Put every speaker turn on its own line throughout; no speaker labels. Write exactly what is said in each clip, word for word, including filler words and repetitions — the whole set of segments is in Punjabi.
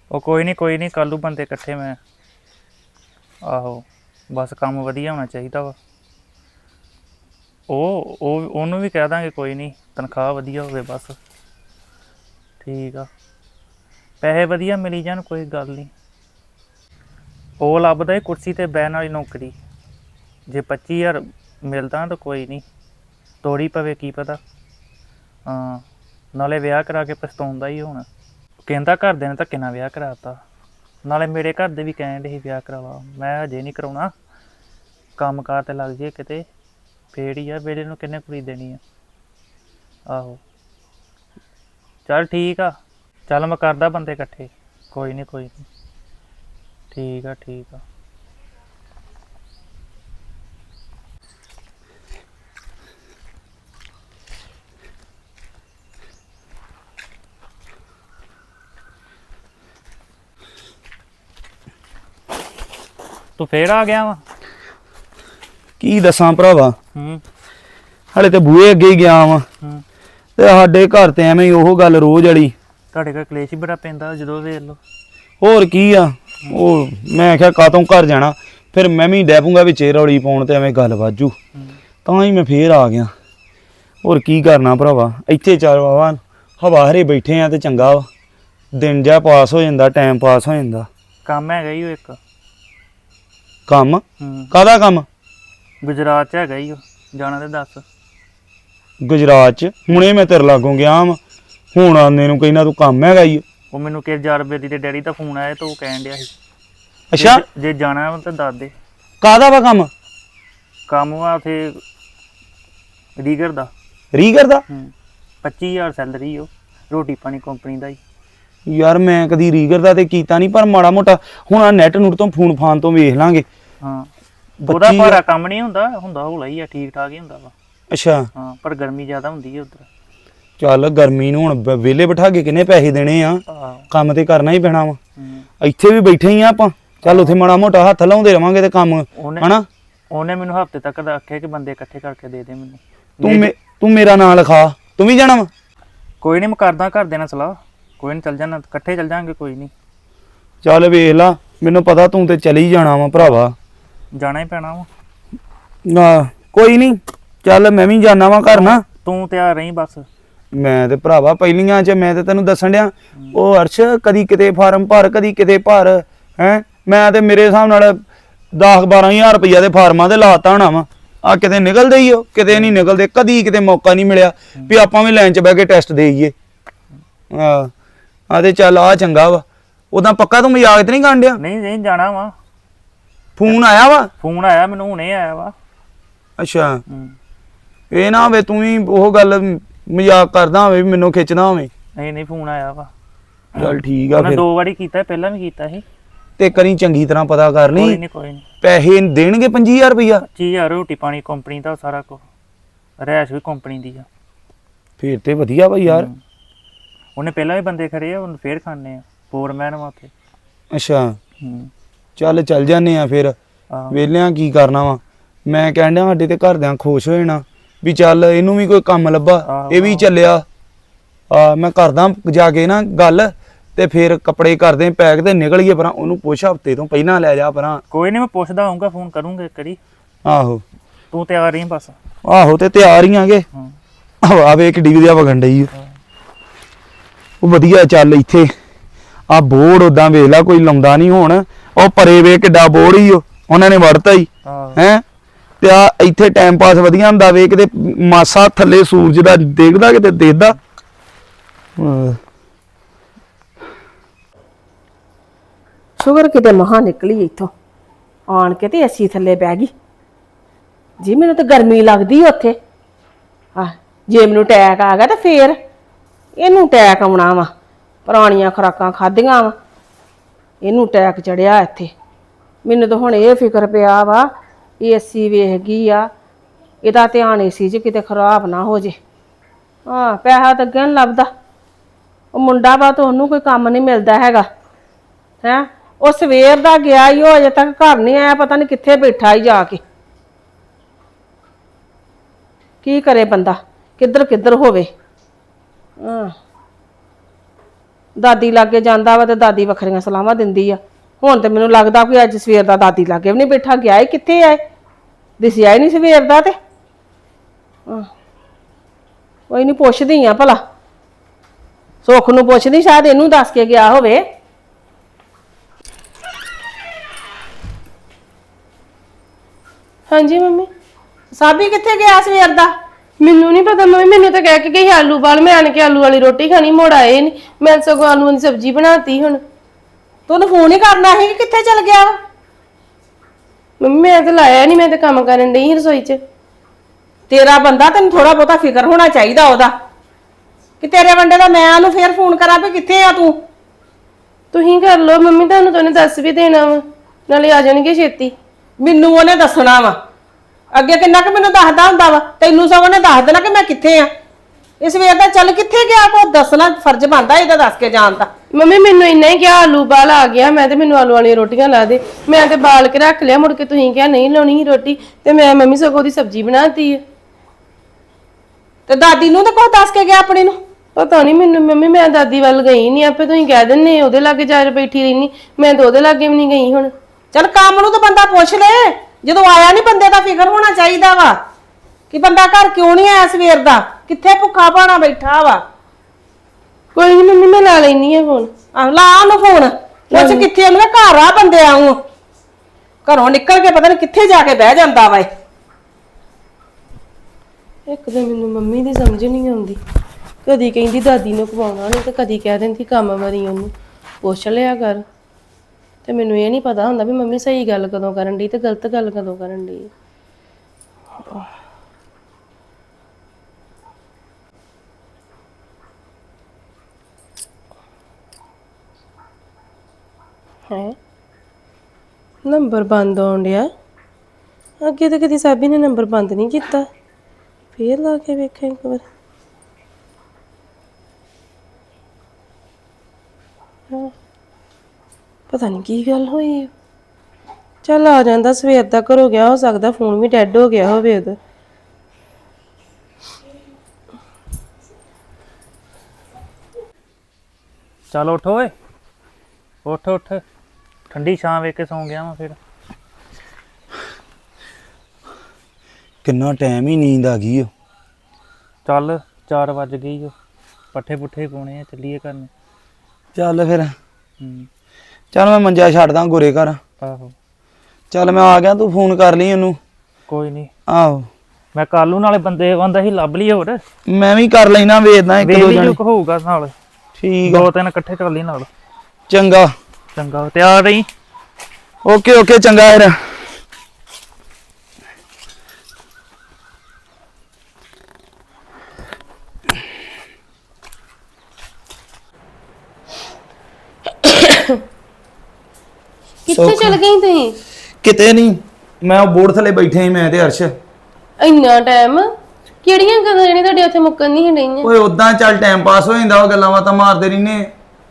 ਉਹ ਕੋਈ ਨਹੀਂ ਕੋਈ ਨਹੀਂ ਕੱਲ੍ਹ ਨੂੰ ਬੰਦੇ ਇਕੱਠੇ ਮੈਂ ਆਹੋ ਬਸ ਕੰਮ ਵਧੀਆ ਹੋਣਾ ਚਾਹੀਦਾ ਵਾ। ਉਹ ਉਹ ਉਹਨੂੰ ਵੀ ਕਹਿ ਦਾਂਗੇ ਕੋਈ ਨਹੀਂ ਤਨਖਾਹ ਵਧੀਆ ਹੋਵੇ ਬਸ। ਠੀਕ ਆ ਪੈਸੇ ਵਧੀਆ ਮਿਲੀ ਜਾਣ ਕੋਈ ਗੱਲ ਨਹੀਂ। ਉਹ ਲੱਭਦਾ ਏ ਕੁਰਸੀ 'ਤੇ ਬਹਿਣ ਵਾਲੀ ਨੌਕਰੀ। ਜੇ ਪੱਚੀ ਹਜ਼ਾਰ ਮਿਲਦਾ ਤਾਂ ਕੋਈ ਨਹੀਂ ਤੋੜੀ ਪਵੇ ਕੀ ਪਤਾ। ਹਾਂ ਨਾਲੇ ਵਿਆਹ ਕਰਾ ਕੇ ਪਛਤਾਉਂਦਾ ਹੀ ਹੁਣ। ਕਹਿੰਦਾ ਘਰਦਿਆਂ ਨੇ ਧੱਕੇ ਨਾਲ ਵਿਆਹ ਕਰਾ ਤਾ। ਨਾਲੇ ਮੇਰੇ ਘਰ ਦੇ ਵੀ ਕਹਿਣ ਡੇ ਸੀ ਵਿਆਹ ਕਰਾ ਲਾ। ਮੈਂ ਹਜੇ ਨਹੀਂ ਕਰਾਉਣਾ ਕੰਮ ਕਾਰ 'ਤੇ ਲੱਗ ਜੇ ਕਿਤੇ ਫੇਰ ਹੀ ਆ। ਵੇਲੇ ਨੂੰ ਕਿੰਨੇ ਕੁੜੀ ਦੇਣੀ ਆ। ਆਹੋ ਚੱਲ ਠੀਕ ਆ। ਚੱਲ ਮੈਂ ਕਰਦਾ ਬੰਦੇ ਇਕੱਠੇ ਕੋਈ ਨਹੀਂ ਕੋਈ ਨਹੀਂ। ਠੀਕ ਆ ਠੀਕ ਆ। ਤੂੰ ਫੇਰ ਆ ਗਿਆ ਵਾ?
ਕੀ ਦੱਸਾਂ ਭਰਾਵਾ,
ਹੂੰ
ਹਲੇ ਤੇ ਬੂਹੇ ਅੱਗੇ ਹੀ ਗਿਆ ਵਾ
ਹੂੰ
ਤੇ ਸਾਡੇ ਘਰ ਤੇ ਐਵੇਂ ਹੀ ਉਹ ਗੱਲ ਰੋਜ਼ ਵਾਲੀ।
ਤੁਹਾਡੇ ਘਰ ਕਲੇਸ਼ ਹੀ ਬੜਾ ਪੈਂਦਾ ਜਦੋਂ ਵੇਖ ਲਓ।
ਹੋਰ ਕੀ ਆ, ਉਹ ਮੈਂ ਆਖਿਆ ਕਾਤੋਂ ਘਰ ਜਾਣਾ, ਫਿਰ ਮੈਂ ਵੀ ਡੈ ਪੂੰਗਾ ਵਿੱਚੇ ਰੌਲੀ ਪਾਉਣ ਤੇ ਐਵੇਂ ਗੱਲ ਵਾਜੂ, ਤਾਂ ਹੀ ਮੈਂ ਫੇਰ ਆ ਗਿਆ। ਹੋਰ ਕੀ ਕਰਨਾ ਭਰਾਵਾ, ਇੱਥੇ ਚੱਲ ਵਾਵਾ ਹਵਾ ਹਰੇ ਬੈਠੇ ਆ ਤੇ ਚੰਗਾ ਵਾ, ਦਿਨ ਜਿਹਾ ਪਾਸ ਹੋ ਜਾਂਦਾ, ਟਾਈਮ ਪਾਸ ਹੋ ਜਾਂਦਾ।
ਕੰਮ ਹੈਗਾ ਹੀ ਉਹ ਇੱਕ।
ਕੰਮ?
ਹੂੰ
ਕਾਹਦਾ ਕੰਮ?
ਗੁਜਰਾਤ 'ਚ ਹੈਗਾ ਹੀ ਉਹ, ਜਾਣਾ ਤੇ ਦੱਸ।
ਗੁਜਰਾਤ 'ਚ? ਹੁਣੇ ਮੈਂ ਤੇਰੇ ਲਾਗੋਂ ਗਿਆ ਵਾ, ਹੁਣ ਆਨੇ ਨੂੰ ਕਹਿੰਦਾ ਤੂੰ ਕੰਮ ਹੈਗਾ ਈ।
ਉਹ ਮੈਨੂੰ ਕਿ ਹਜ਼ਾਰ ਰੁਪਏ ਦੀ ਤੇ ਡੈਡੀ ਦਾ ਫੋਨ ਆਇਆ ਤੇ ਉਹ ਕਹਿਣ ਡਿਆ ਸੀ।
ਅੱਛਾ
ਜੇ ਜਾਣਾ ਵਾ ਤਾਂ ਦੱਸ ਦੇ।
ਕਾਹਦਾ ਵਾ ਕੰਮ?
ਕੰਮ ਵਾ ਉੱਥੇ ਰੀਗਰ ਦਾ।
ਰੀਗਰ ਦਾ?
ਹੂੰ ਪੱਚੀ ਹਜ਼ਾਰ ਸੈਲਰੀ ਉਹ, ਰੋਟੀ ਪਾਣੀ ਕੰਪਨੀ ਦਾ ਹੀ।
ਯਾਰ ਮੈਂ ਕਦੀ ਰੀਗਰ ਦਾ ਤੇ ਕੀਤਾ ਨਹੀਂ, ਪਰ ਮਾੜਾ ਮੋਟਾ ਹੁਣ ਆ ਨੈਟ ਨੂਟ ਤੋਂ ਫੋਨ ਫਾਨ ਤੋਂ ਵੇਖ ਲਾਂਗੇ।
ਹਾਂ ਉਹਦਾ ਭਾਰਾ ਕੰਮ ਨਹੀਂ ਹੁੰਦਾ, ਹੁੰਦਾ ਹੌਲਾ ਹੀ ਆ, ਠੀਕ ਠਾਕ ਹੀ ਹੁੰਦਾ ਵਾ।
ਅੱਛਾ
ਹਾਂ ਪਰ ਗਰਮੀ ਜ਼ਿਆਦਾ ਹੁੰਦੀ ਹੈ ਉੱਧਰ।
ਚੱਲ ਗਰਮੀ ਨੂੰ ਹੁਣ ਵਿਹਲੇ ਬਿਠਾ ਕੇ ਕਿੰਨੇ ਪੈਸੇ ਦੇਣੇ ਆ, ਕੰਮ ਤੇ ਕਰਨਾ ਹੀ ਪੈਣਾ ਵਾ। ਇੱਥੇ ਵੀ ਬੈਠੇ ਹੀ ਆ ਆਪਾਂ, ਚੱਲ ਉੱਥੇ ਮਾੜਾ ਮੋਟਾ ਹੱਥ ਲਾਉਂਦੇ ਰਵਾਂਗੇ ਤੇ ਕੰਮ ਹਨਾ।
ਉਹਨੇ ਮੈਨੂੰ ਹਫ਼ਤੇ ਤੱਕ ਦਾ ਆਖਿਆ ਕਿ ਬੰਦੇ ਇਕੱਠੇ ਕਰਕੇ ਦੇ ਦੇ ਮੈਨੂੰ।
ਤੂੰ ਤੂੰ ਮੇਰਾ ਨਾਂ ਲਿਖਾ, ਤੂੰ ਵੀ ਜਾਣਾ ਵਾ?
ਕੋਈ ਨਹੀਂ ਮੈਂ ਕਰਦਾ ਘਰ ਦੇ ਨਾਲ ਸਲਾਹ, ਕੋਈ ਨਹੀਂ ਚੱਲ ਜਾਣਾ, ਇਕੱਠੇ ਚੱਲ ਜਾਵਾਂਗੇ ਕੋਈ ਨਹੀਂ।
ਚੱਲ ਵੇਖ ਲਾ, ਮੈਨੂੰ ਪਤਾ ਤੂੰ ਤੇ ਚਲੀ ਜਾਣਾ ਵਾ ਭਰਾਵਾ।
ਜਾਣਾ ਹੀ ਪੈਣਾ ਵਾ।
ਨਾ ਕੋਈ ਨਹੀਂ, ਚੱਲ ਮੈਂ ਵੀ ਜਾਣਾ ਵਾ ਘਰ ਨਾ।
ਤੂੰ ਤਿਆਰ ਰਹੀਂ ਬਸ। ਮੈਂ
ਤੇ ਭਰਾਵਾ ਪਹਿਲੀਆਂ 'ਚ ਮੈਂ ਤੇ ਤੈਨੂੰ ਦੱਸਣ ਡਿਆ, ਉਹ ਅਰਸ਼ ਕਦੀ ਕਿਤੇ ਫਾਰਮ ਭਰ, ਕਦੀ ਕਿਤੇ ਭਰ ਹੈਂ। ਮੈਂ ਤੇ ਮੇਰੇ ਹਿਸਾਬ ਨਾਲ ਦਸ ਬਾਰਾਂ ਹਜ਼ਾਰ ਰੁਪਈਆ ਦੇ ਫਾਰਮਾਂ ਤੇ ਲਾਤਾ ਹੋਣਾ ਵਾ। ਆ ਕਿਤੇ ਨਿਕਲਦੇ ਹੀ ਹੋ, ਕਿਤੇ ਨਹੀਂ ਨਿਕਲਦੇ। ਕਦੀ ਕਿਤੇ ਮੌਕਾ ਨਹੀਂ ਮਿਲਿਆ ਵੀ ਆਪਾਂ ਵੀ ਲਾਈਨ 'ਚ ਬਹਿ ਕੇ ਟੈਸਟ ਦੇਈਏ। ਆ ਆ ਤੇ ਚੱਲ ਆ ਚੰਗਾ ਵਾ। ਉਦਾਂ ਪੱਕਾ ਤੂੰ ਮਜ਼ਾਕ ਤੇ ਨਹੀਂ ਕਰਨ ਡਿਆ?
ਨਹੀਂ ਨਹੀਂ ਜਾਣਾ ਵਾ।
ਫੋਨ ਆਇਆ ਵਾ?
ਫੋਨ ਆਇਆ ਮੈਨੂੰ ਹੁਣੇ ਆਇਆ ਵਾ।
ਅੱਛਾ ਇਹ ਨਾ ਹੋਵੇ ਤੂੰ ਵੀ ਉਹ ਗੱਲ ਮਜ਼ਾਕ ਕਰਦਾ ਹੋਵੇ ਵੀ ਮੈਨੂੰ ਖਿੱਚਦਾ ਹੋਵੇ।
ਨਹੀਂ ਨਹੀਂ ਫੋਨ ਆਇਆ ਵਾ।
ਚੱਲ ਠੀਕ ਆ ਫਿਰ।
ਦੋ ਵਾਰੀ ਕੀਤਾ, ਪਹਿਲਾਂ ਵੀ ਕੀਤਾ ਸੀ।
ਤੇ ਕਰੀ ਚੰਗੀ ਤਰ੍ਹਾਂ ਪਤਾ ਕਰ ਲਈ।
ਕੋਈ ਨਹੀਂ ਕੋਈ ਨਹੀਂ।
ਪੈਸੇ ਦੇਣਗੇ ਪੰਜੀ ਹਜ਼ਾਰ ਰੁਪਈਆ?
ਪੱਚੀ ਹਜ਼ਾਰ ਰੋਟੀ ਪਾਣੀ ਕੰਪਨੀ ਦਾ ਸਾਰਾ ਕੁਝ, ਰਹਿਸ਼ ਵੀ ਕੰਪਨੀ ਦੀ ਆ।
ਫੇਰ ਤੇ ਵਧੀਆ ਵਾ ਯਾਰ।
ਉਹਨੇ ਪਹਿਲਾਂ ਵੀ ਬੰਦੇ ਖੜੇ ਆ, ਉਹਨੂੰ ਫੇਰ ਖਾਣੇ ਆ, ਫੋਰਮੈਨ ਵਾ ਉੱਥੇ।
ਅੱਛਾ
ਹੂੰ
ਚੱਲ ਚੱਲ ਜਾਂਦੇ ਆ ਫਿਰ, ਵੇਲਿਆਂ ਕੀ ਕਰਨਾ ਵਾ। ਮੈਂ ਕਹਿਣ ਡਿਆ ਸਾਡੇ ਤੇ ਘਰਦਿਆਂ ਖੁਸ਼ ਹੋ ਜਾਣਾ ਵੀ ਚੱਲ ਇਹਨੂੰ ਵੀ ਕੋਈ ਕੰਮ ਲੱਭਾ, ਇਹ ਵੀ ਚੱਲਿਆ। ਆ ਮੈਂ ਕਰਦਾ ਜਾ ਕੇ ਨਾ ਗੱਲ, ਤੇ ਫਿਰ ਕੱਪੜੇ ਕਰਦੇ ਪੈਕ ਤੇ ਨਿਕਲੀਏ ਪਰਾਂ। ਉਹਨੂੰ ਪੁੱਛ ਹਫ਼ਤੇ ਤੋਂ ਪਹਿਲਾਂ ਲੈ ਜਾ ਪਰਾਂ।
ਕੋਈ ਨਹੀਂ ਮੈਂ ਪੁੱਛਦਾ ਆਊਂਗਾ, ਫੋਨ ਕਰੂੰਗਾ ਇੱਕ ਵਾਰੀ।
ਆਹੋ
ਤੂੰ ਤਿਆਰ ਰਹੀ ਬਸ।
ਆਹੋ ਤੇ ਤਿਆਰ ਹੀ ਆਗੇ। ਹਵਾ ਵੇ ਕਿੱਡੀ ਵਧੀਆ ਵਗਣ ਡਈ ਉਹ ਵਧੀਆ। ਚੱਲ ਇੱਥੇ ਆ ਬੋਰਡ ਉਦਾਂ ਵੇਖ ਲਾ ਕੋਈ ਲਾਉਂਦਾ ਨਹੀਂ ਹੁਣ। ਉਹ ਪਰੇ ਵੇ ਕਿੱਡਾ ਬੋਰਡ ਹੀ ਉਹ ਉਹਨਾਂ ਨੇ ਵੜਤਾ ਹੀ ਹੈ। ਤੇ ਆ ਇੱਥੇ ਟਾਈਮ ਪਾਸ ਵਧੀਆ ਹੁੰਦਾ ਵੇ, ਕਿਤੇ ਮਾਸਾ ਥੱਲੇ ਸੂਰਜ ਦਾ ਦੇਖਦਾ ਕਿਤੇ ਦੇਖਦਾ।
ਸ਼ੁਗਰ ਕਿਤੇ ਮਹਾ ਨਿਕਲੀ ਇੱਥੋਂ ਆਣ ਕੇ ਤੇ ਏਸੀ ਥੱਲੇ ਬਹਿ ਗਈ ਜੀ। ਮੈਨੂੰ ਤਾਂ ਗਰਮੀ ਲੱਗਦੀ ਉੱਥੇ। ਆ ਜੇ ਮੈਨੂੰ ਟੈਕ ਆ ਗਿਆ ਤਾਂ ਫੇਰ ਇਹਨੂੰ ਟੈਕ ਆਉਣਾ ਵਾ। ਪੁਰਾਣੀਆਂ ਖੁਰਾਕਾਂ ਖਾਧੀਆਂ ਵਾ, ਇਹਨੂੰ ਟੈਕ ਚੜਿਆ ਇੱਥੇ। ਮੈਨੂੰ ਤਾਂ ਹੁਣ ਇਹ ਫਿਕਰ ਪਿਆ ਵਾ ਏਸੀ ਵੇਖ ਗਈ ਆ, ਇਹਦਾ ਧਿਆਨ ਏਸੀ 'ਚ ਕਿਤੇ ਖਰਾਬ ਨਾ ਹੋ ਜੇ। ਹਾਂ ਪੈਸਾ ਤਾਂ ਅੱਗੇ ਨਹੀਂ ਲੱਭਦਾ। ਉਹ ਮੁੰਡਾ ਵਾ ਤਾਂ ਉਹਨੂੰ ਕੋਈ ਕੰਮ ਨਹੀਂ ਮਿਲਦਾ ਹੈਗਾ ਹੈਂ। ਉਹ ਸਵੇਰ ਦਾ ਗਿਆ ਹੀ, ਉਹ ਅਜੇ ਤੱਕ ਘਰ ਨਹੀਂ ਆਇਆ, ਪਤਾ ਨਹੀਂ ਕਿੱਥੇ ਬੈਠਾ ਹੀ ਜਾ ਕੇ। ਕੀ ਕਰੇ ਬੰਦਾ, ਕਿੱਧਰ ਕਿੱਧਰ ਹੋਵੇ। ਹਾਂ ਦਾਦੀ ਲਾਗੇ ਜਾਂਦਾ ਵਾ ਤੇ ਦਾਦੀ ਵੱਖਰੀਆਂ ਸਲਾਹਾਂ ਦਿੰਦੀ ਆ। ਹੁਣ ਤੇ ਮੈਨੂੰ ਲੱਗਦਾ ਕਿ ਅੱਜ ਸਵੇਰ ਦਾ ਦਾਦੀ ਲਾਗੇ ਵੀ ਨਹੀਂ ਬੈਠਾ, ਗਿਆ ਹੀ ਕਿੱਥੇ ਆਏ, ਦਿਸਿਆ ਹੀ ਨਹੀਂ ਸਵੇਰ ਦਾ। ਤੇ ਹਾਂ, ਕੋਈ ਨਹੀਂ, ਪੁੱਛਦੀ ਆ ਭਲਾ, ਸੁੱਖ ਨੂੰ ਪੁੱਛਦੀ, ਸ਼ਾਇਦ ਇਹਨੂੰ ਦੱਸ ਕੇ ਗਿਆ ਹੋਵੇ।
ਹਾਂਜੀ ਮੰਮੀ।
ਸਾਬੀ ਕਿੱਥੇ ਗਿਆ ਸਵੇਰ ਦਾ?
ਮੈਨੂੰ ਨਹੀਂ ਪਤਾ ਮੰਮੀ, ਮੈਨੂੰ ਤਾਂ ਕਹਿ ਕੇ ਗਈ ਆਲੂ ਬਾਲ, ਮੈਂ ਆਣ ਕੇ ਆਲੂ ਵਾਲੀ ਰੋਟੀ ਖਾਣੀ, ਮੁੜ ਆਏ ਨਹੀਂ। ਮੈਂ ਸਗੋਂ ਆਲੂਆਂ ਦੀ ਸਬਜ਼ੀ ਬਣਾਤੀ। ਹੁਣ
ਤੂੰ ਉਹਨੂੰ ਫੋਨ ਹੀ ਕਰਨਾ ਸੀ ਕਿ ਕਿੱਥੇ ਚਲ ਗਿਆ ਵਾ?
ਮੰਮੀ ਮੈਂ ਤਾਂ ਲਾਇਆ ਨਹੀਂ, ਮੈਂ ਤਾਂ ਕੰਮ ਕਰਨ ਡਈ ਸੀ ਰਸੋਈ 'ਚ।
ਤੇਰਾ ਬੰਦਾ, ਤੈਨੂੰ ਥੋੜਾ ਬਹੁਤਾ ਫਿਕਰ ਹੋਣਾ ਚਾਹੀਦਾ ਉਹਦਾ, ਕਿ ਤੇਰੇ ਵੰਡੇ ਦਾ ਮੈਂ ਉਹਨੂੰ ਫੇਰ ਫੋਨ ਕਰਾਂ ਵੀ ਕਿੱਥੇ ਆ ਤੂੰ।
ਤੁਸੀਂ ਕਰ ਲਓ ਮੰਮੀ, ਤੁਹਾਨੂੰ ਤਾਂ ਉਹਨੇ ਦੱਸ ਵੀ ਦੇਣਾ ਵਾ, ਨਾਲੇ ਆ ਜਾਣਗੇ ਛੇਤੀ।
ਮੈਨੂੰ ਉਹਨੇ ਦੱਸਣਾ ਵਾ, ਅੱਗੇ ਕਿੰਨਾ ਕੁ ਮੈਨੂੰ ਦੱਸਦਾ ਹੁੰਦਾ ਵਾ, ਤੈਨੂੰ ਸਭ ਉਹਨੇ ਦੱਸ ਦੇਣਾ ਕਿ ਮੈਂ ਕਿੱਥੇ ਆ। ਇਸ ਵੇਰ ਦਾ ਚੱਲ ਕਿੱਥੇ ਗਿਆ, ਕੋ ਦੱਸਣਾ ਫਰਜ਼ ਬਣਦਾ ਇਹਦਾ, ਦੱਸ ਕੇ ਜਾਣ ਦਾ।
ਮੰਮੀ ਮੈਨੂੰ ਇੰਨਾ ਹੀ ਕਿਹਾ ਆਲੂ ਬਾਲ ਆ ਗਿਆ, ਮੈਂ ਤੇ ਮੈਨੂੰ ਆਲੂ ਵਾਲੀਆਂ ਰੋਟੀਆਂ ਲਾ ਦੇ, ਮੈਂ ਤੇ ਬਾਲ ਕੇ ਰੱਖ ਲਿਆ। ਮੁੜ ਕੇ ਤੁਸੀਂ ਕਿਹਾ ਨਹੀਂ ਲਾਉਣੀ ਸੀ ਰੋਟੀ, ਤੇ ਮੈਂ ਮੰਮੀ ਸਗੋਂ ਦੀ ਸਬਜ਼ੀ ਬਣਾਤੀ ਹੈ।
ਤੇ ਦਾਦੀ ਨੂੰ ਤਾਂ ਕੁਛ ਦੱਸ ਕੇ ਗਿਆ ਆਪਣੀ ਨੂੰ?
ਪਤਾ ਨਹੀਂ ਮੈਨੂੰ ਮੰਮੀ, ਮੈਂ ਦਾਦੀ ਵੱਲ ਗਈ ਨਹੀਂ, ਆਪੇ ਤੁਸੀਂ ਕਹਿ ਦਿੰਦੇ ਉਹਦੇ ਲਾਗੇ ਜਾ ਕੇ ਬੈਠੀ ਰਹਿਨੀ, ਮੈਂ ਤਾਂ ਉਹਦੇ ਲਾਗੇ ਵੀ ਨਹੀਂ ਗਈ। ਹੁਣ
ਚੱਲ ਕੰਮ ਨੂੰ ਤਾਂ ਬੰਦਾ ਪੁੱਛ ਲੈ, ਜਦੋਂ ਆਇਆ ਨਹੀਂ ਬੰਦੇ ਦਾ ਫਿਕਰ ਹੋਣਾ ਚਾਹੀਦਾ ਵਾ ਕਿ ਬੰਦਾ ਘਰ ਕਿਉਂ ਨਹੀਂ ਆਇਆ ਸਵੇਰ ਦਾ, ਕਿੱਥੇ ਭੁੱਖਾ ਭਾਣਾ ਬੈਠਾ ਵਾ।
ਕੋਈ ਨਹੀਂ ਮੰਮੀ, ਮੈਂ ਲਾ ਲੈਣੀ ਆ ਫੋਨ।
ਆਹ ਲਾ ਉਹਨੂੰ ਫੋਨ, ਪੁੱਛ ਕਿੱਥੇ, ਉਹਨੂੰ ਘਰ ਆ ਬੰਦੇ ਆਉਂ, ਘਰੋਂ ਨਿਕਲ ਕੇ ਪਤਾ ਨਹੀਂ ਕਿੱਥੇ ਜਾ ਕੇ ਬਹਿ ਜਾਂਦਾ ਵਾ।
ਇੱਕ ਤਾਂ ਮੈਨੂੰ ਮੰਮੀ ਦੀ ਸਮਝ ਨਹੀਂ ਆਉਂਦੀ, ਕਦੀ ਕਹਿੰਦੀ ਦਾਦੀ ਨੂੰ ਖਵਾਉਣਾ ਨਹੀਂ ਤੇ ਕਦੀ ਕਹਿ ਦਿੰਦੀ ਕੰਮ ਵਾਰੀ ਉਹਨੂੰ ਪੁੱਛ ਲਿਆ ਕਰ। ਤੇ ਮੈਨੂੰ ਇਹ ਨਹੀਂ ਪਤਾ ਹੁੰਦਾ ਵੀ ਮੰਮੀ ਸਹੀ ਗੱਲ ਕਦੋਂ ਕਰਨ ਡਈ ਤੇ ਗਲਤ ਗੱਲ ਕਦੋਂ ਕਰਨ ਡਈ। ਹੈ ਨੰਬਰ ਬੰਦ ਆਉਣ ਡਿਆ, ਅੱਗੇ ਤਾਂ ਕਦੀ ਸਾਬੀ ਨੇ ਨੰਬਰ ਬੰਦ ਨਹੀਂ ਕੀਤਾ। ਫੇਰ ਲਾ ਕੇ ਵੇਖਾਂ ਇੱਕ ਵਾਰ। ਹਾਂ, ਪਤਾ ਨਹੀਂ ਕੀ ਗੱਲ ਹੋਈ। ਚੱਲ ਆ ਜਾਂਦਾ, ਸਵੇਰ ਦਾ ਘਰੋਂ ਗਿਆ, ਹੋ ਸਕਦਾ ਫੋਨ ਵੀ ਡੈਡ ਹੋ ਗਿਆ ਹੋਵੇ ਉਹਦਾ।
ਚੱਲ ਉੱਠ ਓਏ, ਉੱਠ ਉੱਠ, ਠੰਡੀ ਛਾਂ ਵੇਖ ਕੇ ਸੌਂ ਗਿਆ ਵਾਂ। ਫਿਰ
ਕਿੰਨਾ ਟਾਈਮ ਹੀ ਨੀਂਦ ਆ ਗਈ ਓ।
ਚੱਲ ਚਾਰ ਵੱਜ ਗਈ ਓ, ਪੱਠੇ ਪੁੱਠੇ ਪਾਉਣੇ ਆ, ਚੱਲੀਏ ਘਰ ਨੂੰ।
ਚੱਲ ਫਿਰ,
ਹੂੰ
ਚੱਲ ਮੈਂ ਮੰਜਾ ਛੱਡਦਾ ਗੋਰੇ ਘਰ।
ਆਹੋ
ਚੱਲ ਮੈਂ ਆ ਗਿਆ, ਤੂੰ ਫੋਨ ਕਰ ਲਈ ਉਹਨੂੰ।
ਕੋਈ ਨਹੀਂ,
ਆਹੋ
ਮੈਂ ਕਾਲੂ ਨਾਲੇ ਬੰਦੇ ਆਂਦਾ ਸੀ ਲੱਭ ਲਈ ਹੋਰ,
ਮੈਂ ਵੀ ਕਰ ਲੈਣਾ, ਵੇਖਦਾ ਇੱਕ ਦੋ
ਵੇਲੀ
ਜਣੇ।
ਜੋ ਹੋਊਗਾ ਨਾਲ,
ਠੀਕ ਆ,
ਦੋ ਤਿੰਨ ਇਕੱਠੇ ਕਰ ਲਈ ਨਾਲ।
ਚੰਗਾ।
ਚੰਗਾ, ਤਿਆਰ ਰਹੀ।
ਓਕੇ ਓਕੇ, ਚੰਗਾ ਫਿਰ।
ਕਿੱਥੇ ਚਲ ਗਈ ਤੁਸੀਂ?
ਕਿਤੇ ਨਹੀਂ, ਮੈਂ ਉਹ ਬੋਰਡ ਥੱਲੇ ਬੈਠੇ ਸੀ, ਮੈਂ ਤੇ ਅਰਸ਼।
ਇੰਨਾ ਟਾਈਮ ਕਿਹੜੀਆਂ ਗੱਲਾਂ ਜਿਹੜੀਆਂ ਤੁਹਾਡੇ ਉੱਥੇ ਮੁੱਕਣ ਨਹੀਂ ਡਈਆਂ?
ਓਏ ਉਦਾਂ ਚੱਲ ਟਾਈਮ ਪਾਸ ਹੋ ਜਾਂਦਾ, ਉਹ ਗੱਲਾਂ ਬਾਤਾਂ ਮਾਰਦੇ ਰਹਿੰਦੇ।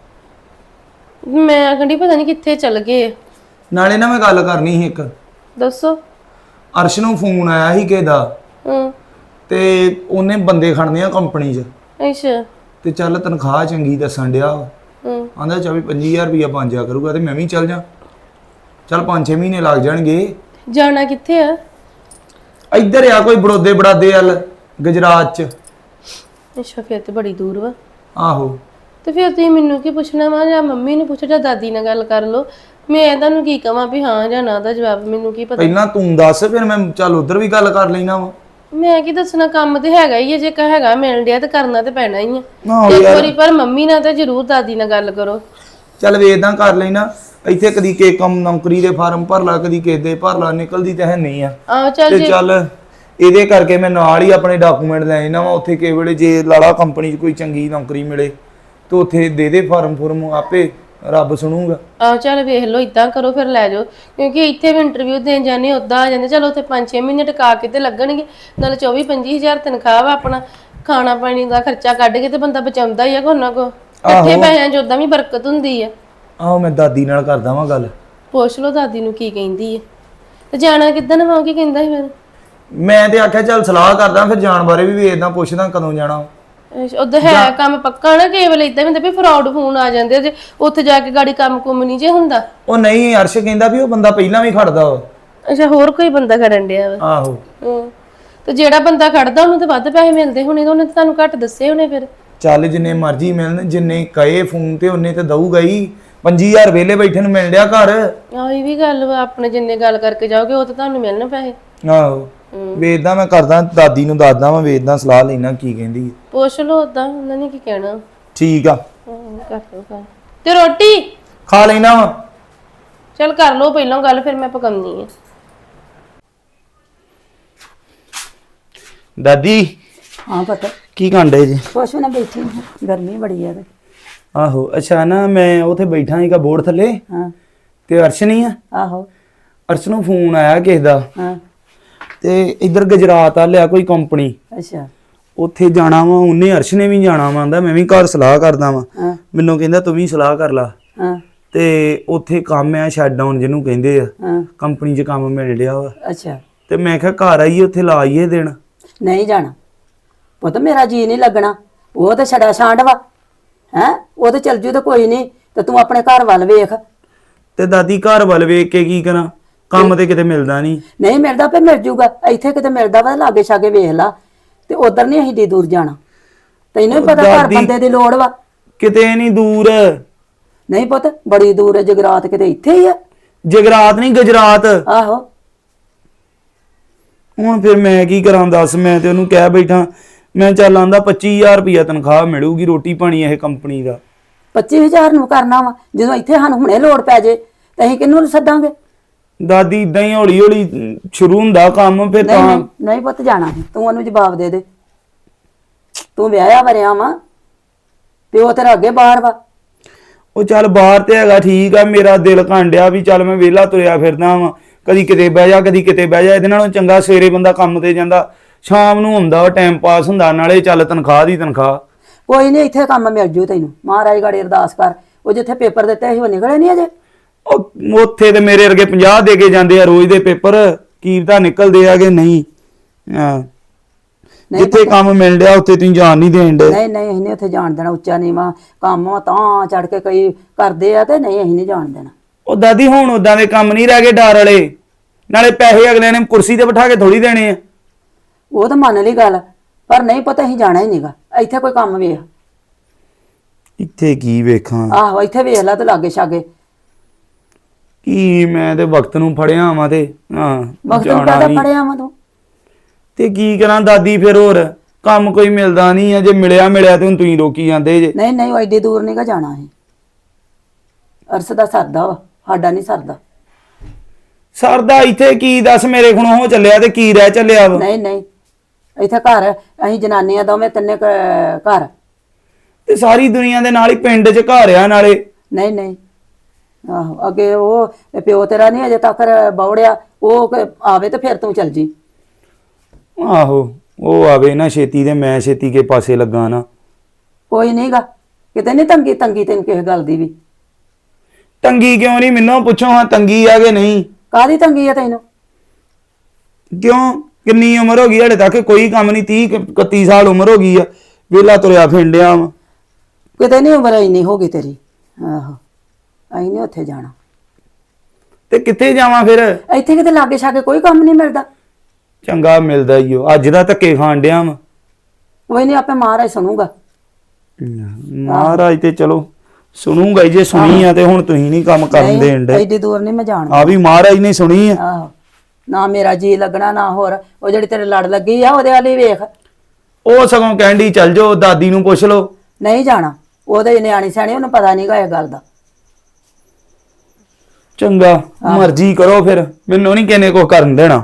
ਮੈਂ ਆਖਣ ਡਈ ਪਤਾ ਨਹੀਂ ਕਿੱਥੇ ਚਲ ਗਏ।
ਨਾਲੇ ਨਾ ਮੈਂ ਗੱਲ ਕਰਨੀ ਸੀ ਇੱਕ।
ਦੱਸੋ।
ਅਰਸ਼ ਨੂੰ ਫੋਨ ਆਇਆ ਸੀ ਕਿਸੇ ਦਾ,
ਹੂੰ।
ਤੇ ਉਹਨੇ ਬੰਦੇ ਖੜਨੇ ਆ ਕੰਪਨੀ 'ਚ,
ਅੱਛਾ।
ਤੇ ਚੱਲ ਤਨਖਾਹ ਚੰਗੀ ਦੱਸਣ ਡਿਆ।
ਹੂੰ।
ਆਂਦਾ ਚੌਵੀ ਪੰਜੀ ਹਜ਼ਾਰ ਰੁਪਇਆ ਬਣ ਜਾ ਕਰੂਗਾ, ਤੇ ਮੈਂ ਵੀ ਚੱਲ ਜਾ। ਚੱਲ ਪੰਜ ਛੇ ਮਹੀਨੇ ਲੱਗ ਜਾਣਗੇ।
ਜਾਣਾ ਕਿੱਥੇ ਆ?
ਇੱਧਰ ਆ ਕੋਈ ਬੜੋਦੇ ਬੜਾਦੇ ਵੱਲ, ਗੁਜਰਾਤ 'ਚ।
ਅੱਛਾ, ਫਿਰ ਤੇ ਬੜੀ ਦੂਰ ਵਾ।
ਆਹੋ।
ਤੇ ਫਿਰ ਤੁਸੀਂ ਮੈਨੂੰ ਕੀ ਪੁੱਛਣਾ ਵਾ? ਜਾਂ ਮੰਮੀ ਨੂੰ ਪੁੱਛੋ ਜਾਂ ਦਾਦੀ ਨਾਲ ਗੱਲ ਕਰ ਲਓ। ਮੈਂ ਤੁਹਾਨੂੰ ਕੀ ਕਵਾਂ ਵੀ ਹਾਂ ਜਾਂ ਨਾ ਦਾ ਜਵਾਬ ਮੈਨੂੰ ਕੀ ਪਤਾ।
ਪਹਿਲਾਂ ਤੂੰ ਦੱਸ, ਫਿਰ ਮੈਂ ਚੱਲ ਉਧਰ ਵੀ ਗੱਲ ਕਰ ਲੈਣਾ ਵਾ।
ਮੈਂ ਕੀ ਦੱਸਣਾ, ਕੰਮ ਤੇ ਹੈਗਾ ਹੀ ਹੈ, ਜੇ ਕਹ ਹੈਗਾ ਮਿਲ ਡਿਆ ਤੇ ਕਰਨਾ ਤੇ ਪੈਣਾ ਹੀ ਆ।
ਆਹੋ
ਇੱਕ
ਯਾਰ।
ਵਾਰੀ ਪਰ ਮੰਮੀ ਨਾਲ ਤਾਂ ਜ਼ਰੂਰ ਦਾਦੀ ਨਾਲ ਗੱਲ ਕਰੋ।
ਚੱਲ ਵੇਦਾਂ ਕਰ ਲੈਣਾ। ਇੱਥੇ ਕਦੀ ਕੇ ਕੰਮ ਨੌਕਰੀ ਦੇ ਫਾਰਮ ਭਰ ਲਾ, ਕਦੀ ਕਿਸੇ ਦੇ ਭਰ ਲਾ, ਨਿਕਲਦੀ ਤਾਂ ਹੈ ਨਹੀਂ ਆ।
ਆਹੋ ਚੱਲ
ਤੇ
ਜੇ
ਚੱਲ ਇਹਦੇ ਕਰਕੇ ਮੈਂ ਨਾਲ ਹੀ ਆਪਣੇ ਡਾਕੂਮੈਂਟ ਲੈ ਜਾਣਾ ਵਾ। ਉੱਥੇ ਕਿਸੇ ਵੇਲੇ ਜੇ ਲਾਲਾ ਕੰਪਨੀ 'ਚ ਕੋਈ ਚੰਗੀ ਨੌਕਰੀ ਮਿਲੇ ਤੇ ਉੱਥੇ ਦੇ ਦੇ ਫਾਰਮ ਫੁਰਮ, ਆਪੇ ਰੱਬ ਸੁਣੂਗਾ।
ਆਹੋ ਚੱਲ ਵੇਖ ਲਓ, ਇਦਾਂ ਕਰੋ ਫਿਰ ਲੈ ਜਾਓ, ਕਿਉਂਕਿ ਇੱਥੇ ਵੀ ਇੰਟਰਵਿਊ ਦੇਣ ਜਾਂਦੇ ਉੱਦਾਂ ਆ ਜਾਂਦੇ। ਚਲੋ ਉੱਥੇ ਪੰਜ ਛੇ ਮਹੀਨੇ ਟਿਕਾ ਕੇ ਤੇ ਲੱਗਣਗੇ, ਨਾਲ ਚੌਵੀ ਪੰਜੀ ਹਜ਼ਾਰ ਤਨਖਾਹ ਵਾ, ਆਪਣਾ ਖਾਣਾ ਪਾਣੀ ਦਾ ਖਰਚਾ ਕੱਢ ਕੇ ਤੇ ਬੰਦਾ ਬਚਾਉਂਦਾ ਹੀ ਆ ਕੋ ਨਾ ਕੋ। ਇਕੱਠੇ ਪੈਸਿਆਂ 'ਚ ਉਦਾਂ ਵੀ ਬਰਕਤ ਹੁੰਦੀ ਆ।
ਆਹੋ ਮੈਂ ਦਾਦੀ ਨਾਲ ਕਰਦਾ ਵਾਂ ਗੱਲ।
ਪੁੱਛ ਲਓ ਦਾਦੀ ਨੂੰ ਕੀ ਕਹਿੰਦੀ ਹੈ। ਤੇ ਜਾਣਾ ਕਿੱਦਾਂ ਨਾ ਕੀ ਕਹਿੰਦਾ ਸੀ ਫਿਰ?
ਮੈਂ ਤੇ ਆਖਿਆ ਚੱਲ ਸਲਾਹ ਕਰਦਾ, ਫਿਰ ਜਾਣ ਬਾਰੇ ਵੀ ਵੇਖਦਾ, ਪੁੱਛਦਾ ਕਦੋਂ ਜਾਣਾ।
ਉਧਰ ਹੈ ਕੰਮ ਪੱਕਾ ਨਾ, ਕੇਵਲ ਇਦਾਂ ਹੀ ਹੁੰਦਾ ਵੀ ਫਰਾਡ ਫੋਨ ਆ ਜਾਂਦੇ ਜੇ ਉੱਥੇ ਜਾ ਕੇ ਗਾੜੀ ਕੰਮ ਕੁਮ ਨਹੀਂ ਜੇ ਹੁੰਦਾ।
ਉਹ ਨਹੀਂ, ਅਰਸ਼ ਕਹਿੰਦਾ ਵੀ ਉਹ ਬੰਦਾ ਪਹਿਲਾਂ ਵੀ ਖੜਦਾ ਵਾ।
ਅੱਛਾ, ਹੋਰ ਕੋਈ ਬੰਦਾ ਖੜਨ ਡਿਆ ਵਾ?
ਆਹੋ।
ਹੂੰ, ਤੇ ਜਿਹੜਾ ਬੰਦਾ ਖੜਦਾ ਉਹਨੂੰ ਤਾਂ ਵੱਧ ਪੈਸੇ ਮਿਲਦੇ ਹੋਣੇ, ਤੇ ਉਹਨੇ ਤਾਂ ਤੁਹਾਨੂੰ ਘੱਟ ਦੱਸੇ ਹੋਣੇ ਫਿਰ।
ਚੱਲ ਜਿੰਨੇ ਮਰਜ਼ੀ ਮਿਲਣ, ਜਿੰਨੇ ਕਹੇ ਫੋਨ ਤੇ ਉਹਨੇ ਤੇ ਦਊਗਾ ਹੀ। ਪੰਜੀ ਹਜ਼ਾਰ ਵੇਲੇ ਬੈਠੇ ਨੂੰ ਮਿਲ ਡਿਆ ਘਰ।
ਆਹ ਇਹ ਵੀ ਗੱਲ ਵਾ, ਆਪਣੇ ਜਿੰਨੇ ਗੱਲ ਕਰਕੇ ਜਾਓਗੇ ਉਹ ਤਾਂ ਤੁਹਾਨੂੰ ਮਿਲਣ ਪੈਸੇ।
ਆਹੋ, ਵੇਖਦਾ ਮੈਂ ਕਰਦਾ, ਦਾਦੀ ਨੂੰ ਦੱਸਦਾ ਮੈਂ, ਵੇਖਦਾ ਸਲਾਹ ਲੈਣਾ ਕੀ ਕਹਿੰਦੀ ਹੈ।
ਪੁੱਛ ਲਓ ਉਦਾਂ, ਉਹਨਾਂ ਨੇ ਕੀ ਕਹਿਣਾ।
ਠੀਕ ਆ,
ਹਾਂ, ਕਰ ਲਓ ਗੱਲ। ਤੇ ਰੋਟੀ
ਖਾ ਲੈਣਾ ਵਾ।
ਚੱਲ ਕਰ ਲਓ ਪਹਿਲਾਂ ਗੱਲ, ਫਿਰ ਮੈਂ ਪਕਾਉਣੀ ਆ।
ਦਾਦੀ
ਹਾਂ ਪਤਾ
ਕੀ ਕਾਂਡੇ ਜੀ?
ਕੁਛ ਵੀ ਨਾ ਬੈਠੀ ਹਾਂ, ਗਰਮੀ ਬੜੀ ਆ ਤੇ।
ਆਹੋ, ਅੱਛਾ ਨਾ ਮੈਂ ਉੱਥੇ ਬੈਠਾ ਸੀਗਾ ਬੋਰਡ ਥੱਲੇ,
ਹਾਂ
ਤੇ ਅਰਸ਼ ਨਹੀਂ ਆ,
ਆਹੋ
ਅਰਸ਼ ਨੂੰ ਫੋਨ ਆਇਆ ਕਿਸੇ ਦਾ,
ਹਾਂ
ਤੇ ਇੱਧਰ ਗੁਜਰਾਤ ਆ ਲਿਆ ਕੋਈ ਕੰਪਨੀ,
ਅੱਛਾ
ਉੱਥੇ ਜਾਣਾ ਵਾ। ਉਹਨੇ ਅਰਸ਼ ਨੇ ਵੀ ਜਾਣਾ ਵਾ, ਆਂਦਾ ਮੈਂ ਵੀ ਘਰ ਸਲਾਹ ਕਰਦਾ ਵਾਂ।
ਹਾਂ
ਮੈਨੂੰ ਕਹਿੰਦਾ ਤੂੰ ਵੀ ਸਲਾਹ ਕਰ ਲਾ।
ਹਾਂ
ਤੇ ਉੱਥੇ ਕੰਮ ਆ ਸ਼ਟ ਡਾਊਨ ਜਿਹਨੂੰ ਕਹਿੰਦੇ ਆ,
ਹਾਂ
ਕੰਪਨੀ 'ਚ ਕੰਮ ਮਿਲ ਰਿਹਾ ਵਾ।
ਅੱਛਾ
ਤੇ ਮੈਂ ਕਿਹਾ ਘਰ ਆਈਏ ਉੱਥੇ ਲਾ ਆਈਏ ਦਿਨ।
ਨਹੀਂ ਜਾਣਾ ਪੁੱਤ, ਮੇਰਾ ਜੀ ਨਹੀਂ ਲੱਗਣਾ। ਉਹ ਤੇ ਛੜਾ ਛਾਂਡ ਵਾ ਹੈ, ਉਹ ਤੇ ਚੱਲ ਜੂ ਤੇ ਕੋਈ ਨਹੀਂ, ਤੇ ਤੂੰ ਆਪਣੇ ਘਰ ਵੱਲ ਵੇਖ।
ਤੇ ਦਾਦੀ ਘਰ ਵੱਲ ਵੇਖ ਕੇ ਕੀ ਕਰਾਂ, ਕੰਮ ਤੇ ਕਿਤੇ ਮਿਲਦਾ ਨਹੀਂ।
ਨਹੀਂ ਮਿਲਦਾ ਫੇ ਮਿਲ ਜੂਗਾ, ਇੱਥੇ ਕਿਤੇ ਮਿਲਦਾ ਵਾ ਲਾਗੇ ਛਾਗੇ ਵੇਖ ਲਾ। ਤੇ ਉਧਰ ਨਹੀਂ ਅਸੀਂ ਡੀ ਦੂਰ ਜਾਣਾ, ਤੈਨੂੰ ਵੀ ਪਤਾ ਘਰ
ਦਾਦੀ-
ਬੰਦੇ ਦੀ ਲੋੜ ਵਾ।
ਕਿਤੇ ਨਹੀਂ ਦੂਰ,
ਨਹੀਂ ਪੁੱਤ, ਬੜੀ ਦੂਰ ਹੈ ਜਗਰਾਤ, ਕਿਤੇ ਇੱਥੇ ਹੀ ਆ।
ਜਗਰਾਤ ਨਹੀਂ ਗੁਜਰਾਤ।
ਆਹੋ
ਹੁਣ ਫਿਰ ਮੈਂ ਕੀ ਕਰਾਂ ਦੱਸ, ਮੈਂ ਤੇ ਉਹਨੂੰ ਕਹਿ ਬੈਠਾ, ਮੈਂ ਚੱਲ ਆਂਦਾ ਪੱਚੀ ਹਜ਼ਾਰ ਰੁਪਇਆ ਤਨਖਾਹ ਮਿਲੂਗੀ, ਰੋਟੀ ਪਾਣੀ ਇਹ ਕੰਪਨੀ ਦਾ।
ਪੱਚੀ ਹਜ਼ਾਰ ਨੂੰ ਕਰਨਾ ਵਾ, ਜਦੋਂ ਇੱਥੇ ਸਾਨੂੰ ਹੁਣੇ ਲੋੜ ਪੈ ਜੇ ਤੇ ਅਸੀਂ ਕਿਹਨੂੰ ਸੱਦਾਂਗੇ?
ਦਾਦੀ ਇਦਾਂ ਹੀ ਹੌਲੀ ਹੌਲੀ ਸ਼ੁਰੂ ਹੁੰਦਾ ਕੰਮ, ਫਿਰ
ਨਹੀਂ
ਤਾਂ
ਨਹੀਂ ਨਹੀਂ ਪੁੱਤ ਜਾਣਾ ਨੀ, ਤੂੰ ਉਹਨੂੰ ਜਵਾਬ ਦੇ ਦੇ। ਤੂੰ ਵਿਆਹਿਆ ਵਰਿਆ ਵਾ, ਪਿਓ ਤੇਰਾ ਅੱਗੇ ਬਾਹਰ ਵਾ।
ਉਹ ਚੱਲ ਬਾਹਰ ਤੇ ਹੈਗਾ ਠੀਕ ਆ, ਮੇਰਾ ਦਿਲ ਕਾਂਡਿਆ ਵੀ ਚੱਲ ਮੈਂ ਵਿਹਲਾ ਤੁਰਿਆ ਫਿਰਦਾ ਵਾਂ, ਕਦੀ ਕਿਤੇ ਬਹਿ ਜਾ ਕਦੀ ਕਿਤੇ ਬਹਿ ਜਾ। ਇਹਦੇ ਨਾਲੋਂ ਚੰਗਾ ਸਵੇਰੇ ਬੰਦਾ ਕੰਮ ਤੇ ਜਾਂਦਾ, ਸ਼ਾਮ ਨੂੰ ਹੁੰਦਾ ਵਾ, ਟਾਈਮ ਪਾਸ ਹੁੰਦਾ, ਨਾਲੇ ਚੱਲ ਤਨਖਾਹ ਦੀ ਤਨਖਾਹ।
ਕੋਈ ਨਹੀਂ, ਇੱਥੇ ਕੰਮ ਮਿਲ ਜੂ ਤੈਨੂੰ। ਮਹਾਰਾਜ ਗਾੜੀ ਅਰਦਾਸ ਕਰ, ਉਹ ਜਿੱਥੇ ਪੇਪਰ ਦਿੱਤੇ ਸੀ ਉਹ ਨਿਕਲੇ ਨਹੀਂ ਅਜੇ।
ਉਹ ਉੱਥੇ ਤੇ ਮੇਰੇ ਵਰਗੇ ਪੰਜਾਹ ਦੇ ਕੇ ਜਾਂਦੇ ਆ ਰੋਜ਼ ਦੇ ਪੇਪਰ, ਕੀ ਪਤਾ ਨਿਕਲਦੇ ਆ ਕਿ ਨਹੀਂ। ਹਾਂ, ਜਿੱਥੇ ਕੰਮ ਮਿਲ ਰਿਹਾ ਉੱਥੇ ਤੁਸੀਂ ਜਾਣ ਨਹੀਂ ਦੇਣ ਦੇ।
ਨਹੀਂ ਨਹੀਂ, ਅਸੀਂ ਨਹੀਂ ਉੱਥੇ ਜਾਣ ਦੇਣਾ। ਉੱਚਾ ਨੀਵਾਂ ਕੰਮ ਆ, ਤਾਂ ਚੜ ਕੇ ਕਈ ਕਰਦੇ ਆ, ਤੇ ਨਹੀਂ ਅਸੀਂ ਨਹੀਂ ਜਾਣ ਦੇਣਾ।
ਉਹ ਦਾਦੀ ਹੁਣ ਉਦਾਂ ਦੇ ਕੰਮ ਨਹੀਂ ਰਹਿ ਗਏ ਡਰ ਵਾਲੇ, ਨਾਲੇ ਪੈਸੇ ਅਗਲੇ ਨੇ ਕੁਰਸੀ ਤੇ ਬਿਠਾ ਕੇ ਥੋੜੀ ਦੇਣੇ ਆ।
ਉਹ ਤਾਂ ਮੰਨ ਲਈ ਗੱਲ, ਪਰ ਨਹੀਂ ਪਤਾ ਅਸੀਂ ਜਾਣਾ ਹੀ ਨਹੀਂਗਾ। ਇੱਥੇ ਕੋਈ ਕੰਮ ਵੇਖ।
ਇੱਥੇ ਕੀ ਵੇਖਾਂ,
ਆਹੋ ਇੱਥੇ ਵੇਖ ਲੈ ਤੇ ਲਾਗੇ ਛਾਗੇ।
ਕੀ ਮੈਂ ਤੇ ਵਕਤ ਨੂੰ ਫੜਿਆ ਵਾਂ ਤੇ ਹਾਂ
ਵਕਤ ਨੂੰ
ਜਾਣਾ
ਕਾਹਦਾ
ਨੀ।
ਫੜਿਆ ਵਾ ਤੂੰ?
ਤੇ ਕੀ ਕਰਾਂ ਦਾਦੀ, ਫਿਰ ਹੋਰ ਕੰਮ ਕੋਈ ਮਿਲਦਾ ਨਹੀਂ ਆ। ਜੇ ਮਿਲਿਆ ਮਿਲਿਆ ਤੇ ਹੁਣ ਤੁਸੀਂ ਰੋਕੀ ਜਾਂਦੇ ਜੇ।
ਨਹੀਂ ਨਹੀਂ, ਉਹ ਐਡੀ ਦੂਰ ਨਹੀਂਗਾ ਜਾਣਾ ਅਸੀਂ। ਅਰਸ ਦਾ ਸਰਦਾ ਵਾ, ਸਾਡਾ ਨਹੀਂ ਸਰਦਾ।
ਸਰਦਾ ਇੱਥੇ ਕੀ ਦੱਸ, ਮੇਰੇ ਕੋਲੋਂ ਹੋ ਚੱਲਿਆ ਤੇ ਕੀ ਰਹਿ ਚੱਲਿਆ ਵਾ।
ਨਹੀਂ ਨਹੀਂ, ਇੱਥੇ ਘਰ ਅਸੀਂ ਜਨਾਨੀਆਂ ਦੋਵੇਂ ਤਿੰਨੇ ਕ- ਘਰ।
ਤੇ ਸਾਰੀ ਦੁਨੀਆ ਦੇ ਨਾਲ ਹੀ ਪਿੰਡ 'ਚ ਘਰ ਆ ਨਾਲੇ।
ਨਹੀਂ ਨਹੀਂ, ਆਹੋ ਅੱਗੇ ਉਹ ਪਿਓ ਤੇਰਾ ਨਹੀਂ ਅਜੇ ਤੱਕ ਬੌੜਿਆ, ਉਹ ਕ- ਆਵੇ ਤੇ ਫਿਰ ਤੂੰ ਚੱਲ ਜੀ।
ਆਹੋ, ਉਹ ਆਵੇ ਨਾ ਛੇਤੀ ਤੇ ਮੈਂ ਛੇਤੀ ਕੇ ਪਾਸੇ ਲੱਗਾ ਨਾ।
ਕੋਈ ਨਹੀਂਗਾ, ਕਿਤੇ ਨਹੀਂ ਤੰਗੀ ਤੰਗੀ ਤੈਨੂੰ ਕਿਸੇ ਗੱਲ ਦੀ ਵੀ।
ਤੰਗੀ ਕਿਉਂ ਨਹੀਂ, ਮੈਨੂੰ ਪੁੱਛੋ ਹਾਂ ਤੰਗੀ ਆ ਕਿ ਨਹੀਂ।
ਕਾਹਦੀ ਤੰਗੀ ਆ ਤੈਨੂੰ?
ਕਿਉਂ, ਕਿੰਨੀ ਉਮਰ ਹੋ ਗਈ ਹਲੇ ਤੱਕ ਕੋਈ ਕੰਮ ਨਹੀਂ, ਤੀਹ ਇਕੱਤੀ ਸਾਲ ਉਮਰ ਹੋ ਗਈ ਆ, ਵਿਹਲਾ ਤੁਰਿਆ ਫਿੰਡਿਆ ਵਾ।
ਕਿਤੇ ਨਹੀਂ ਉਮਰ ਇੰਨੀ ਹੋ ਗਈ ਤੇਰੀ। ਆਹੋ, ਅਸੀਂ ਨਹੀਂ ਉੱਥੇ ਜਾਣਾ।
ਤੇ ਕਿੱਥੇ ਜਾਵਾਂ ਫਿਰ?
ਇੱਥੇ ਕਿਤੇ ਲਾਗੇ ਛਾਗੇ ਕੋਈ ਕੰਮ ਨਹੀਂ ਮਿਲਦਾ।
ਚੰਗਾ ਮਿਲਦਾ ਈ ਓ, ਅੱਜ ਦਾ ਧੱਕੇ ਖਾਣ ਡਿਆ ਵਾ।
ਕੋਈ ਨਹੀਂ, ਆਪੇ ਮਹਾਰਾਜ ਸੁਣੂਗਾ।
ਮਹਾਰਾਜ ਤੇ ਚਲੋ ਸੁਣੂਗਾ ਹੀ, ਜੇ ਸੁਣੀ ਆ ਤੇ ਹੁਣ ਤੁਸੀਂ ਨਹੀਂ ਕੰਮ ਕਰਨ ਦੇਣ ਦੇ।
ਐਡੀ ਦੂਰ ਨਹੀਂ ਮੈਂ ਜਾਣਾ।
ਆ ਵੀ ਮਹਾਰਾਜ ਨੇ ਸੁਣੀ ਆ।
ਆਹੋ, ਨਾ ਮੇਰਾ ਜੀ ਲੱਗਣਾ ਨਾ ਹੋਰ। ਉਹ ਜਿਹੜੀ ਤੇਰੇ ਲੜ ਲੱਗੀ ਆ ਉਹਦੇ ਵਾਲੀ ਵੇਖ।
ਉਹ ਸਗੋਂ ਕਹਿੰਦੀ ਚੱਲ ਜਾਓ, ਦਾਦੀ ਨੂੰ ਪੁੱਛ ਲਓ।
ਨਹੀਂ ਜਾਣਾ, ਉਹਦੇ ਨਿਆਣੀ ਸਿਆਣੀ, ਉਹਨੂੰ ਪਤਾ ਨਹੀਂਗਾ ਇਹ ਗੱਲ ਦਾ।
ਚੰਗਾ, ਮਰਜ਼ੀ ਕਰੋ ਫਿਰ, ਮੈਨੂੰ ਨਹੀਂ ਕਿਨੇ ਕੋ ਕਰਨ ਦੇਣਾ।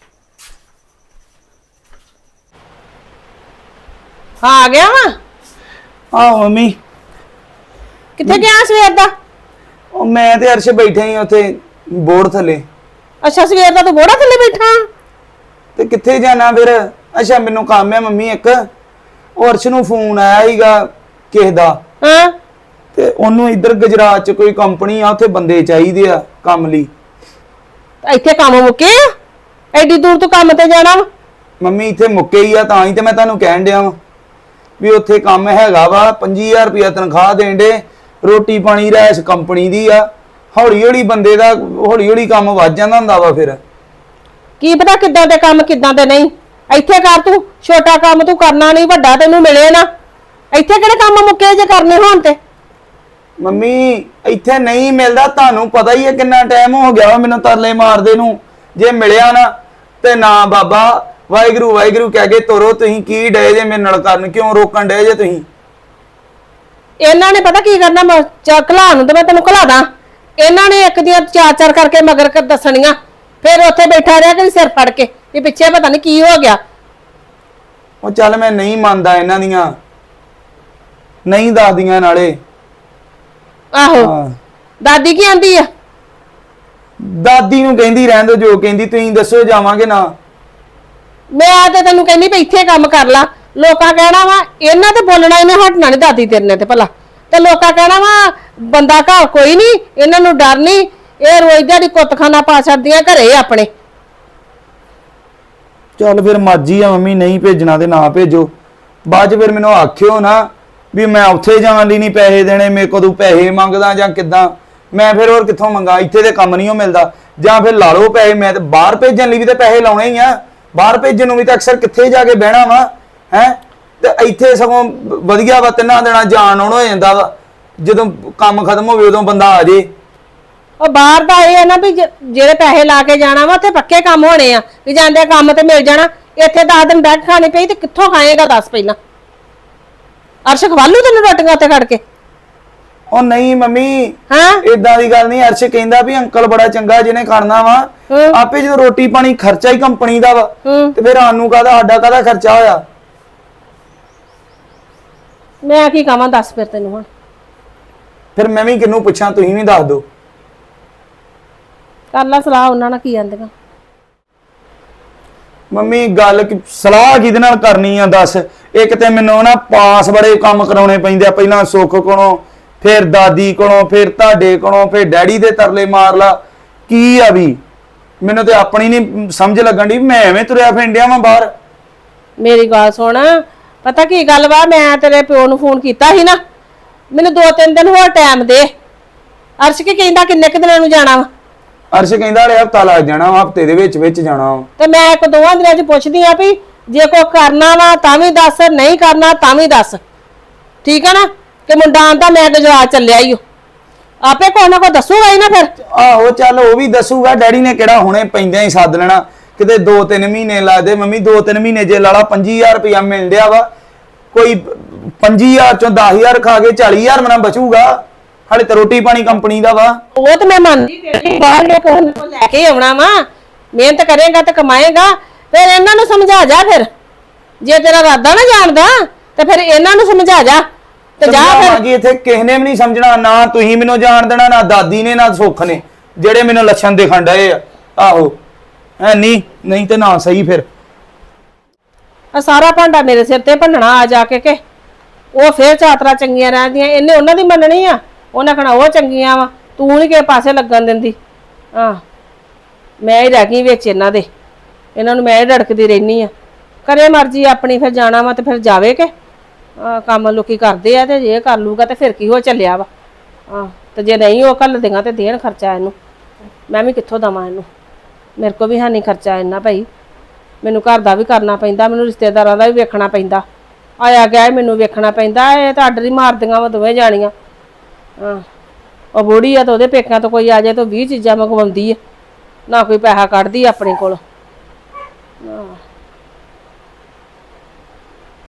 ਆ ਗਿਆ ਵਾ?
ਆਹ ਮੰਮੀ,
ਕਿੱਥੇ ਗਿਆ ਸਵੇਰ ਦਾ?
ਉਹ ਮੈਂ ਤੇ ਅਰਸ਼ ਬੈਠੇ ਹੀ ਉੱਥੇ ਬੋਰਡ ਥੱਲੇ।
ਅੱਛਾ, ਸਵੇਰ ਦਾ ਤੂੰ ਬੋੜਾ ਥੱਲੇ ਬੈਠਾ?
ਤੇ ਕਿੱਥੇ ਜਾਣਾ ਫਿਰ? ਅੱਛਾ, ਮੈਨੂੰ ਕੰਮ ਹੈ ਮੰਮੀ ਇੱਕ, ਉਹ ਅਰਸ਼ ਨੂੰ ਫੋਨ ਆਇਆ ਸੀਗਾ ਕਿਸੇ ਦਾ,
ਹਾਂ,
ਤੇ ਉਹਨੂੰ ਇੱਧਰ ਗੁਜਰਾਤ 'ਚ ਕੋਈ ਕੰਪਨੀ ਆ, ਉੱਥੇ ਬੰਦੇ ਚਾਹੀਦੇ ਆ ਕੰਮ ਲਈ।
ਇੱਥੇ ਕੰਮ ਮੁੱਕੇ ਆ? ਐਡੀ ਦੂਰ ਤੂੰ ਕੰਮ ਤੇ ਜਾਣਾ ਵਾ?
ਮੰਮੀ ਇੱਥੇ ਮੁੱਕੇ ਹੀ ਆ, ਤਾਂ ਹੀ ਤੇ ਮੈਂ ਤੁਹਾਨੂੰ ਕਹਿਣ ਡਿਆ ਵਾਂ। ਵੀ ਉੱਥੇ ਕੰਮ ਹੈਗਾ ਵਾ ਪੱਚੀ ਹਜ਼ਾਰ ਰੁਪਇਆ ਤਨਖਾਹ ਦੇਣ ਦੇ, ਰੋਟੀ ਪਾਣੀ ਰਹਿਸ਼ ਕੰਪਨੀ ਦੀ ਆ। ਹੌਲੀ ਹੌਲੀ ਬੰਦੇ ਦਾ ਹੌਲੀ ਹੌਲੀ ਕੰਮ ਵੱਧ ਜਾਂਦਾ ਹੁੰਦਾ ਵਾ। ਫਿਰ
ਕੀ ਪਤਾ ਕਿੱਦਾਂ ਦੇ ਕੰਮ ਕਿੱਦਾਂ ਦੇ ਨਹੀਂ। ਇੱਥੇ ਕਰ ਤੂੰ ਛੋਟਾ ਕੰਮ ਤੂੰ ਕਰਨਾ ਨਹੀਂ, ਵੱਡਾ ਤੈਨੂੰ ਮਿਲੇ ਨਾ। ਇੱਥੇ ਕਿਹੜੇ ਕੰਮ ਮੁੱਕੇ ਜੇ ਕਰਨੇ ਹੋਣ ਤੇ।
ਮੰਮੀ ਇੱਥੇ ਨਹੀਂ ਮਿਲਦਾ, ਤੁਹਾਨੂੰ ਪਤਾ ਹੀ ਹੈ ਕਿੰਨਾ ਟਾਈਮ ਹੋ ਗਿਆ ਵਾ ਮੈਨੂੰ ਤਰਲੇ ਮਾਰਦੇ ਨੂੰ। ਜੇ ਮਿਲਿਆ ਨਾ ਤੇ ਨਾ ਬਾਬਾ ਵਾਹਿਗੁਰੂ ਵਾਹਿਗੁਰੂ ਕਹਿ ਕੇ ਤੋਰੋ। ਤੁਸੀਂ ਕੀ ਡੇ ਜੇ ਮੇਰੇ ਨਾਲ ਕਰਨ, ਕਿਉਂ ਰੋਕਣ ਡੇ ਜੇ ਤੁਸੀਂ?
ਇਹਨਾਂ ਨੇ ਪਤਾ ਕੀ ਕਰਨਾ, ਮੈਂ ਘਲਾ ਨੂੰ ਤੇ ਮੈਂ ਤੈਨੂੰ ਘਲਾ ਦਾਂ। ਇਹਨਾਂ ਨੇ ਇੱਕ ਦੀਆਂ ਚਾਰ ਚਾਰ ਕਰਕੇ ਮਗਰ ਕਰ ਦੱਸਣੀਆਂ, ਫਿਰ ਉੱਥੇ ਬੈਠਾ ਰਿਹਾ ਕਿ ਸਿਰ ਫੜ ਕੇ ਵੀ ਪਿੱਛੇ ਪਤਾ ਨਹੀਂ ਕੀ ਹੋ ਗਿਆ।
ਉਹ ਚੱਲ ਮੈਂ ਨਹੀਂ ਮੰਨਦਾ ਇਹਨਾਂ ਦੀਆਂ, ਨਹੀਂ ਦੱਸਦੀਆਂ ਨਾਲੇ।
ਆਹੋ
ਹਾਂ।
ਦਾਦੀ ਕੀ ਆਂਦੀ ਆ?
ਦਾਦੀ ਨੂੰ ਕਹਿੰਦੀ ਰਹਿਣ ਦੋ ਜੋ ਕਹਿੰਦੀ, ਤੁਸੀਂ ਦੱਸੋ ਜਾਵਾਂਗੇ ਨਾ।
ਮੈਂ ਤੇ ਤੈਨੂੰ ਕਹਿੰਦੀ ਵੀ ਇੱਥੇ ਕੰਮ ਕਰ ਲਾ। ਲੋਕਾਂ ਕਹਿਣਾ ਵਾ ਇਹਨਾਂ ਤੇ ਬੋਲਣਾ ਇਹਨੇ ਹਟਣਾ ਨਹੀਂ ਦਾਦੀ ਤੇਰੇ ਨੇ ਤੇ ਭਲਾ। ਤੇ ਲੋਕਾਂ ਕਹਿਣਾ ਵਾ ਬੰਦਾ ਘਰ ਕੋਈ ਨਹੀਂ, ਇਹਨਾਂ ਨੂੰ ਡਰ ਨਹੀਂ, ਇਹ ਰੋਜ਼ ਦਿਹਾੜੀ ਕੁੱਤਖਾਨਾ ਪਾ ਛੱਡਦੀਆਂ ਘਰੇ ਆਪਣੇ।
ਚੱਲ ਫਿਰ ਮਰਜ਼ੀ ਆ ਮੰਮੀ, ਨਹੀਂ ਭੇਜਣਾ ਤੇ ਨਾ ਭੇਜੋ। ਬਾਅਦ ਚ ਫਿਰ ਮੈਨੂੰ ਆਖਿਓ ਨਾ ਵੀ ਮੈਂ ਉੱਥੇ ਜਾਣ ਲਈ ਨਹੀਂ ਪੈਸੇ ਦੇਣੇ, ਮੇਰੇ ਕੋਲ ਤੂੰ ਪੈਸੇ ਮੰਗਦਾ ਜਾਂ ਕਿੱਦਾਂ। ਮੈਂ ਫਿਰ ਹੋਰ ਕਿੱਥੋਂ ਮੰਗਾ, ਇੱਥੇ ਤੇ ਕੰਮ ਨਹੀਂ ਉਹ ਮਿਲਦਾ। ਜਾਂ ਫਿਰ ਲਾ ਲਓ ਪੈਸੇ, ਮੈਂ ਤੇ ਬਾਹਰ ਭੇਜਣ ਲਈ ਵੀ ਤੇ ਪੈਸੇ ਲਾਉਣੇ ਹੀ ਆ। ਬਾਹਰ ਭੇਜਣ ਨੂੰ ਵੀ ਤਾਂ ਅਕਸਰ ਕਿੱਥੇ ਜਾ ਕੇ ਬਹਿਣਾ ਵਾ ਹੈ। ਤੇ ਇੱਥੇ ਸਗੋਂ ਵਧੀਆ ਵਾ, ਤਿੰਨਾਂ ਦਿਨਾਂ ਜਾਣ ਆਉਣ ਹੋ ਜਾਂਦਾ ਵਾ। ਜਦੋਂ ਕੰਮ ਖਤਮ ਹੋਵੇ ਉਦੋਂ ਬੰਦਾ ਆ ਜੇ।
ਉਹ ਬਾਹਰ ਦਾ ਇਹ ਹੈ ਨਾ ਵੀ ਜ- ਜਿਹੜੇ ਪੈਸੇ ਲਾ ਕੇ ਜਾਣਾ ਵਾ ਉੱਥੇ ਪੱਕੇ ਕੰਮ ਹੋਣੇ ਆ ਵੀ ਜਾਂਦੇ ਕੰਮ ਤੇ ਮਿਲ ਜਾਣਾ। ਇੱਥੇ ਦਸ ਦਿਨ ਬੈਠ ਖਾਣੀ ਪਈ ਤੇ ਕਿੱਥੋਂ ਖਾਏਗਾ ਦੱਸ ਪਹਿਲਾਂ। ਅਰਸ਼ ਖਵਾਲੂ ਤੈਨੂੰ ਰੋਟੀਆਂ ਉੱਤੇ ਖੜ ਕੇ?
ਉਹ ਨਹੀਂ ਮੰਮੀ
ਹਾਂ
ਇਦਾਂ ਦੀ ਗੱਲ ਨਹੀਂ। ਅਰਸ਼ ਕਹਿੰਦਾ ਵੀ ਅੰਕਲ ਬੜਾ ਚੰਗਾ ਜਿਹਨੇ ਕਰਨਾ ਵਾ।
ਹੂੰ।
ਆਪੇ ਜਦੋਂ ਰੋਟੀ ਪਾਣੀ ਖਰਚਾ ਹੀ ਕੰਪਨੀ ਦਾ ਵਾ
ਹੂੰ।
ਤੇ ਫਿਰ ਸਾਨੂੰ ਕਾਹਦਾ, ਸਾਡਾ ਕਾਹਦਾ ਖਰਚਾ ਹੋਇਆ?
ਮੈਂ ਕੀ ਕਹਾਂ ਦੱਸ ਫਿਰ ਤੈਨੂੰ ਹੁਣ।
ਫਿਰ ਮੈਂ ਵੀ ਕਿਹਨੂੰ ਪੁੱਛਾਂ, ਤੁਸੀਂ ਵੀ ਦੱਸ ਦਿਓ।
ਕਰ ਲਾ ਸਲਾਹ ਉਹਨਾਂ ਨਾਲ ਕੀ ਆਂਦੀਆਂ।
ਮੰਮੀ ਗੱਲ ਕਿ ਸਲਾਹ ਕਿਹਦੇ ਨਾਲ ਕਰਨੀ ਆ ਦੱਸ। ਇੱਕ ਤੇ ਮੈਨੂੰ ਨਾ ਪਾਸ ਬੜੇ ਕੰਮ ਕਰਾਉਣੇ ਪੈਂਦੇ ਆ, ਪਹਿਲਾਂ ਸੁੱਖ ਕੋਲੋਂ, ਫਿਰ ਦਾਦੀ ਕੋਲੋਂ, ਫਿਰ ਤੁਹਾਡੇ ਕੋਲੋਂ, ਫਿਰ ਡੈਡੀ ਦੇ ਤਰਲੇ ਮਾਰ ਲਾ। ਕੀ ਆ ਵੀ ਮੈਨੂੰ ਤੇ ਆਪਣੀ ਨਹੀਂ ਸਮਝ ਲੱਗਣ ਦੀ, ਮੈਂ ਐਵੇਂ ਤੁਰਿਆ ਫਿੰਡਿਆ ਵਾਂ ਬਾਹਰ।
ਮੇਰੀ ਗੱਲ ਸੁਣ, ਪਤਾ ਕੀ ਗੱਲ ਵਾ, ਮੈਂ ਤੇਰੇ ਪਿਓ ਨੂੰ ਫੋਨ ਕੀਤਾ ਸੀ ਨਾ, ਮੈਨੂੰ ਦੋ ਤਿੰਨ ਦਿਨ ਹੋਰ ਟਾਈਮ ਦੇ। ਅਰਸ਼ ਕੀ ਕਹਿੰਦਾ ਕਿੰਨੇ ਕੁ ਦਿਨਾਂ ਨੂੰ ਜਾਣਾ ਵਾ?
ਅਰਸ਼ ਕਹਿੰਦਾ ਹਲੇ ਹਫਤਾ ਲੱਗ ਜਾਣਾ, ਹਫਤੇ ਦੇ ਵਿੱਚ ਵਿੱਚ ਜਾਣਾ ਵਾ।
ਤੇ ਮੈਂ ਇੱਕ ਦੋਵਾਂ ਦਿਨਾਂ ਚ ਪੁੱਛਦੀ ਆ ਵੀ ਜੇ ਕੋ ਕਰਨਾ ਵਾ ਤਾਂ ਵੀ ਦੱਸ, ਨਹੀਂ ਕਰਨਾ ਤਾਂ ਵੀ ਦੱਸ। ਠੀਕ ਆ ਨਾ? ਕਿ ਮੁੰਡਾ ਆਂਦਾ ਮੈਂ ਗੁਜਰਾਤ ਚੱਲਿਆ ਈ ਓ, ਆਪੇ ਕੋਈ ਨਾ ਕੋਈ ਦੱਸੂਗਾ ਹੀ ਨਾ ਫਿਰ।
ਆਹੋ ਚੱਲ ਉਹ ਵੀ ਦੱਸੂਗਾ। ਡੈਡੀ ਨੇ ਕਿਹੜਾ ਹੁਣੇ ਪੈਂਦਿਆਂ ਹੀ ਸੱਦ ਲੈਣਾ, ਕਿਤੇ ਦੋ ਤਿੰਨ ਮਹੀਨੇ ਲੱਗਦੇ। ਮੰਮੀ ਦੋ ਤਿੰਨ ਮਹੀਨੇ ਜੇ ਲਾਲਾ ਪੱਚੀ ਹਜ਼ਾਰ ਰੁਪਇਆ ਮਿਲ ਰਿਹਾ ਵਾ, ਕੋਈ ਪੱਚੀ ਹਜ਼ਾਰ ਚੋਂ ਦਸ ਹਜ਼ਾਰ ਖਾ ਕੇ ਚਾਲੀ ਹਜ਼ਾਰ ਮਨਾ ਬਚੂਗਾ। ਹਾਲੇ ਤਾਂ ਰੋਟੀ ਪਾਣੀ ਕੰਪਨੀ ਦਾ ਵਾ।
ਉਹ ਤੇ ਮੈਂ ਮੰਨਦੀ ਤੇਰੀ, ਬਾਹਰ ਲੈ ਕੋਲ ਲੈ ਕੇ ਆਉਣਾ ਵਾ, ਮਿਹਨਤ ਕਰੇਗਾ ਤੇ ਕਮਾਏਗਾ। ਫਿਰ ਇਹਨਾਂ ਨੂੰ ਸਮਝਾ ਜਾ। ਫਿਰ ਜੇ ਤੇਰਾ ਇਰਾਦਾ ਨਾ ਜਾਣਦਾ ਤੇ ਫਿਰ ਇਹਨਾਂ ਨੂੰ ਸਮਝਾ ਜਾ ਤੇ ਜਾ ਫਿਰ।
ਸਮਝਾਵਾਂਗੀ, ਇੱਥੇ ਕਿਸੇ ਨੇ ਵੀ ਨਹੀਂ ਸਮਝਣਾ, ਨਾ ਤੁਸੀਂ ਮੈਨੂੰ ਜਾਣ ਦੇਣਾ, ਨਾ ਦਾਦੀ ਨੇ, ਨਾ ਸੁੱਖ ਨੇ, ਜਿਹੜੇ ਮੈਨੂੰ ਲੱਛਣ ਦਿਖਣ ਡਏ ਆ। ਆਹੋ ਐ ਨਹੀਂ ਨਹੀਂ ਤੇ ਨਾ ਸਹੀ। ਫਿਰ
ਆ ਸਾਰਾ ਭਾਂਡਾ ਮੇਰੇ ਸਿਰ ਤੇ ਭੰਨਣਾ ਆ ਜਾ ਕੇ ਕਿ ਉਹ ਫੇਰ ਚਾਤਰਾ ਚੰਗੀਆਂ ਰਹਿੰਦੀਆਂ। ਇਹਨੇ ਉਹਨਾਂ ਦੀ ਮੰਨਣੀ ਆ, ਉਹਨਾਂ ਕਹਣਾ ਉਹ ਚੰਗੀਆਂ ਵਾ, ਤੂੰ ਨਹੀਂ ਕਿਸੇ ਪਾਸੇ ਲੱਗਣ ਦਿੰਦੀ। ਆ ਮੈਂ ਹੀ ਰਹਿ ਗਈ ਵਿੱਚ ਇਹਨਾਂ ਦੇ, ਇਹਨਾਂ ਨੂੰ ਮੈਂ ਹੀ ਢੜਕਦੀ ਰਹਿਨੀ ਆ। ਕਰੇ ਮਰਜ਼ੀ ਆਪਣੀ, ਫਿਰ ਜਾਣਾ ਵਾ ਤੇ ਫਿਰ ਜਾਵੇ ਕਿ ਆ ਕੰਮ ਲੋਕੀ ਕਰਦੇ ਆ ਤੇ ਜੇ ਕਰ ਲੂਗਾ ਤੇ ਫਿਰ ਕੀ ਹੋ ਚੱਲਿਆ ਵਾ। ਆ ਤੇ ਜੇ ਨਹੀਂ ਉਹ ਘੱਲ ਦੇਗਾ ਤੇ ਦੇਣ ਖਰਚਾ ਇਹਨੂੰ, ਮੈਂ ਵੀ ਕਿੱਥੋਂ ਦਵਾਂ ਇਹਨੂੰ? ਮੇਰੇ ਕੋ ਵੀ ਹੈ ਨਹੀਂ ਖਰਚਾ ਇੰਨਾ ਭਾਈ। ਮੈਨੂੰ ਘਰ ਦਾ ਵੀ ਕਰਨਾ ਪੈਂਦਾ, ਮੈਨੂੰ ਰਿਸ਼ਤੇਦਾਰਾਂ ਦਾ ਵੀ ਵੇਖਣਾ ਪੈਂਦਾ, ਆਇਆ ਗਿਆ ਮੈਨੂੰ ਵੇਖਣਾ ਪੈਂਦਾ। ਇਹ ਤਾਂ ਅੱਡ ਹੀ ਮਾਰਦੀਆਂ ਵਾ ਦੋਵੇਂ ਜਾਣੀਆਂ। ਹਾਂ ਉਹ ਬੁੜੀ ਆ ਤਾਂ ਉਹਦੇ ਪੇਕਿਆਂ ਤੋਂ ਕੋਈ ਆ ਜਾਏ ਤਾਂ ਵੀਹ ਚੀਜ਼ਾਂ ਮੰਗਵਾਉਂਦੀ ਆ, ਨਾ ਕੋਈ ਪੈਸਾ ਕੱਢਦੀ ਆਪਣੇ ਕੋਲ। ਹਾਂ